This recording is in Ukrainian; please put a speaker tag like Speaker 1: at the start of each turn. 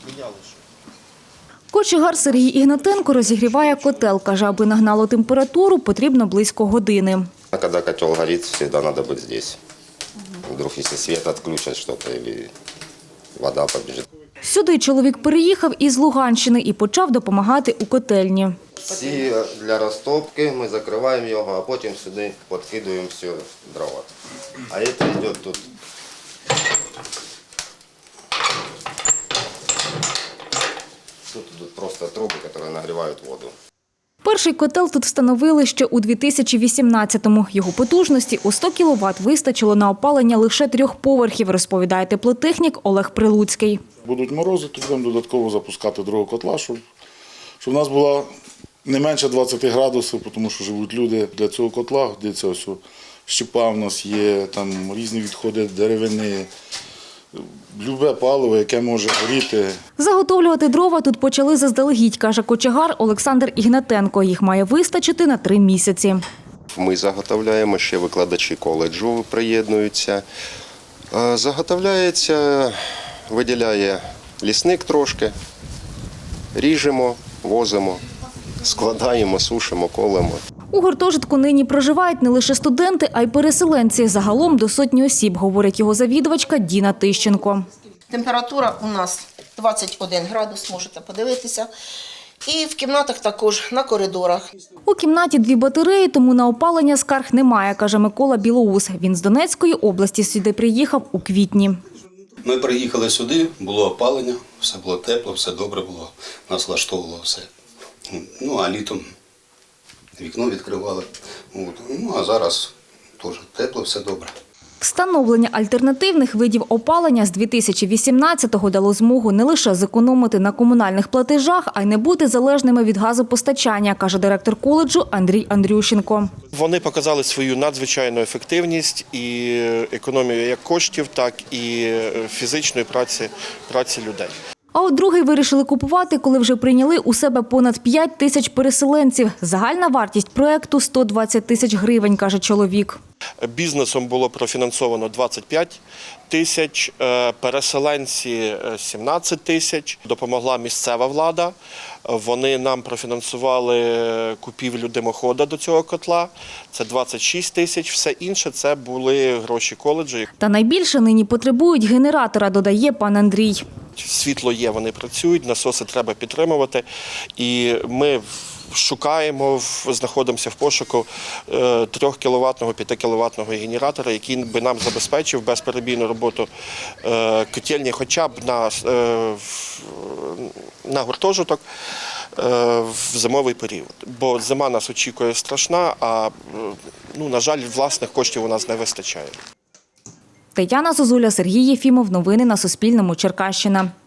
Speaker 1: Кочегар Сергій Ігнатенко розігріває котел. Каже, аби нагнало температуру, потрібно близько години.
Speaker 2: Коли котел горить, завжди треба бути тут. Вдруг, якщо світ відключать щось, або вода побіжить.
Speaker 1: Сюди чоловік переїхав із Луганщини і почав допомагати у котельні.
Speaker 2: Всі для розтопки ми закриваємо його, а потім сюди підкидуємо все дрова. А це йде тут. Тут идут просто трубы, которые нагревают воду.
Speaker 1: Перший котел тут встановили ще у 2018-му. Його потужності у 100 кВт вистачило на опалення лише 3 поверхів, розповідає теплотехнік Олег Прилуцький.
Speaker 3: Будуть морози, то будемо додатково запускати другого котла, щоб в нас було не менше 20 градусів, тому що живуть люди. Для цього котла годиться ось щепа в нас є, там різні відходи деревини, любе паливо, яке може горіти.
Speaker 1: Заготовлювати дрова тут почали заздалегідь, каже кочегар Олександр Ігнатенко. Їх має вистачити на 3 місяці.
Speaker 2: Ми заготовляємо, ще викладачі коледжу приєднуються. Заготовляється, виділяє лісник трошки, ріжемо, возимо, складаємо, сушимо, колемо.
Speaker 1: У гуртожитку нині проживають не лише студенти, а й переселенці. Загалом до 100 осіб, говорить його завідувачка Діна Тищенко.
Speaker 4: Температура у нас 21 градус, можете подивитися. І в кімнатах також, на коридорах.
Speaker 1: У кімнаті 2 батареї, тому на опалення скарг немає, каже Микола Білоус. Він з Донецької області сюди приїхав у квітні.
Speaker 5: Ми приїхали сюди, було опалення, все було тепло, все добре було, нас влаштовувало все. Ну, а літом вікно відкривали. Ну, а зараз теж тепло, все добре.
Speaker 1: Встановлення альтернативних видів опалення з 2018-го дало змогу не лише зекономити на комунальних платежах, а й не бути залежними від газопостачання, каже директор коледжу Андрій Андрющенко.
Speaker 6: Вони показали свою надзвичайну ефективність і економію як коштів, так і фізичної праці людей.
Speaker 1: А от другий вирішили купувати, коли вже прийняли у себе понад 5 тисяч переселенців. Загальна вартість проєкту – 120 тисяч гривень, каже чоловік.
Speaker 6: Бізнесом було профінансовано 25 тисяч, переселенці – 17 тисяч. Допомогла місцева влада. Вони нам профінансували купівлю димохода до цього котла. Це 26 тисяч. Все інше – це були гроші коледжу.
Speaker 1: Та найбільше нині потребують генератора, додає пан Андрій.
Speaker 6: Світло є, вони працюють, насоси треба підтримувати. І ми шукаємо, знаходимося в пошуку 3-кіловатного, 5-кіловатного генератора, який би нам забезпечив безперебійну роботу котельні хоча б на гуртожиток в зимовий період. Бо зима нас очікує страшна, а, на жаль, власних коштів у нас не вистачає.
Speaker 1: Тетяна Зозуля, Сергій Єфімов. Новини на Суспільному. Черкащина.